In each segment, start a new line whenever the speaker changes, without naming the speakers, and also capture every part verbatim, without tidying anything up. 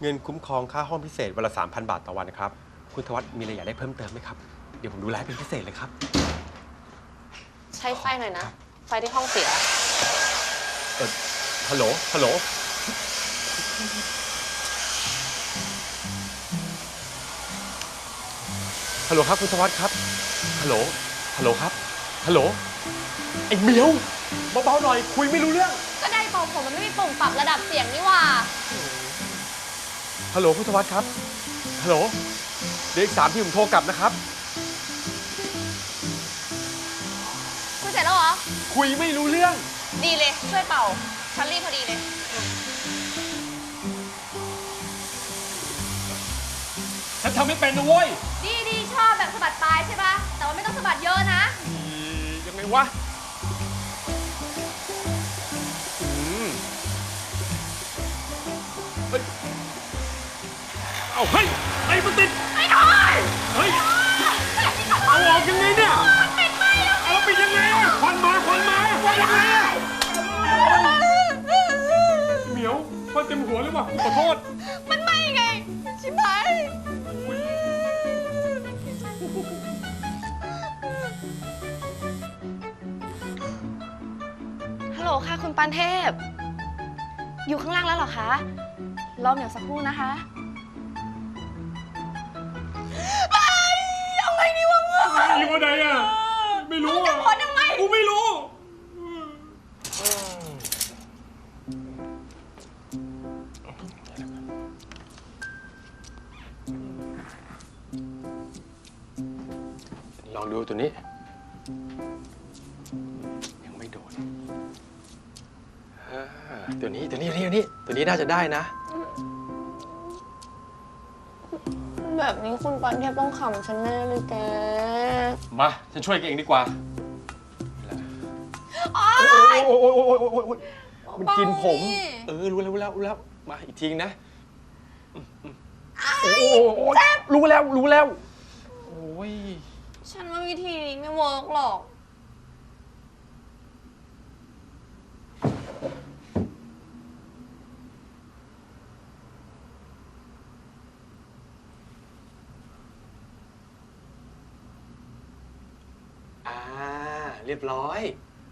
เงินคุ้มครองค่าห้องพิเศษวันละสามพันบาทต่อวันนะครับคุณธวัฒน์มีอะไรอยากได้เพิ่มเติมไหมครับเดี๋ยวผมดูแลเป็นพิเศษเลยครับ
ใช้ไฟหน่อยนะไฟที่ห้องเสีย
เออฮัลโหลฮัลโหลฮัลโหลครับคุณธวัฒน์ครับฮัลโหลฮัลโหลครับฮัลโหลไอ้เหมียวเบาๆหน่อยคุยไม่รู้เรื่อง
ก็ได้เป่าผมมันไม่มีปุ่มปรับระดับเสียงนี่ว่า
ฮัลโหลคุณธวัฒน์ครับฮัลโหลเดี๋ยวอีกสามที่ผมโทรกลับนะครับ
คุยเสร็จแล้วเหรอ
คุยไม่รู้เรื่อง
ดีเลยช่วยเป่าฉันรีบพอดีเลย
ฉันทำไม่เป็นนะเว้ย
ดีดีชอบแบบสะบัดปลายใช่ปะแต่ว่าไม่ต้องสะบัดเยอะนะ
ยังไงวะเฮ้ยเอาเฮ้ยไอ้มันติด
ไอ้หน่อย
เฮ้ยเอาออกยังไงเนี่ย
ปิดไม่แล้ว
เอาปิดยังไงควันมาควันมาควันยังไงเหมียวควันเต็มหัวเลยว่ะขอโทษ
มันไม่ไงชิบหายฮัลโหลค่ะคุณปานเทพอยู่ข้างล่างแล้วเหรอคะรอเหมียวสักครู่นะคะยังไงดีวะเมื่อ
อยู่วันไหนอ่ะไม่รู้
จะโพสยังไง
กูไม่รู้ลองดูตัวนี้ยังไม่โดนตัวนี้ตัวนี้ตัวนี้ตัวนี้น่าจะได้นะ
แบบนี้คุณปานเทพต้องขำฉันแน่เลยแก
มาฉันช่วยแกเองดีกว่า
โอ๊
ยโอ๊ยโอ๊ยโอ๊ยโอ๊ยโอ๊ยมันกินผมเออรู้แล้วรู้แล้วรู้แล้วมาอีกทีนะโอ้โหรู้แล้วรู้แล้วโอ้ย
ฉันว่าวิธีนี้ไม่เวิร์กหรอก
อ่าเรียบร้อย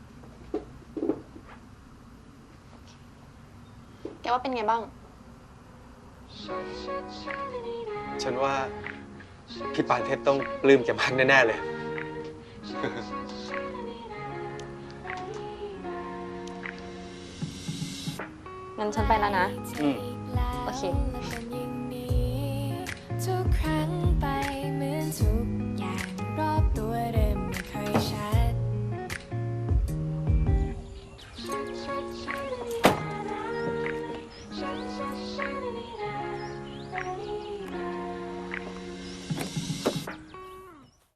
แกว่าเป็นไงบ้าง
ฉันว่าพี่ปานเทพต้องปลื้มแกมากแน่ๆเลย
งั้นฉันไปแล้วนะ
อืม
โอเค